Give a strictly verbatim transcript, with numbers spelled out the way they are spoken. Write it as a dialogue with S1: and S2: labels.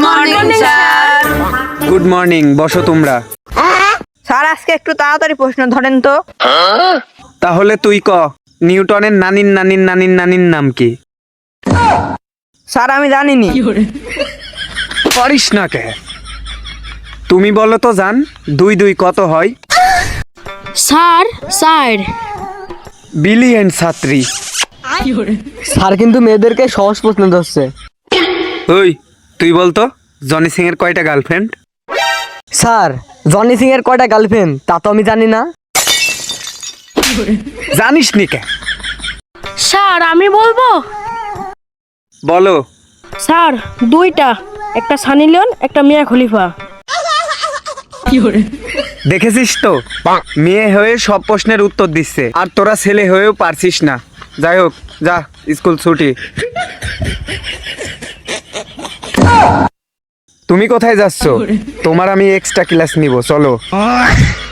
S1: Morning sir.
S2: Good morning, বসো তোমরা।
S3: Sir আজকে একটু তাড়াতাড়ি প্রশ্ন ধরেন তো।
S2: তাহলে তুই ক, নিউটনের নানির নানির নানির নানির নাম কি?
S3: স্যার আমি জানিনি।
S2: পারিস না কে? তুমি বলো তো জান, দুই দুই কত হয়?
S1: স্যার স্যার
S2: বিলিয়ন ছাত্রী।
S4: স্যার কিন্তু মেয়েদেরকে সহজ প্রশ্ন ধরছে।
S2: ওই তুই বলতো জনি সিং এর কয়টা গার্লফ্রেন্ড?
S4: স্যার জনি সিং এর কয়টা গার্লফ্রেন্ড তা তো আমি জানি না।
S2: জানিস নি কে?
S1: স্যার আমি বলবো।
S2: বলো।
S1: স্যার দুইটা, একটা সানি লিওন একটা মিয়া খলিফা।
S2: দেখেছিস তো, মেয়ে হয়ে সব প্রশ্নের উত্তর দিচ্ছে, আর তোরা ছেলে হয়েও পারছিস না। যাই হোক, যা, স্কুল ছুটি। তুমি কোথায় যাচ্ছ? তোমার আমি এক্সট্রা ক্লাস নিব, চলো।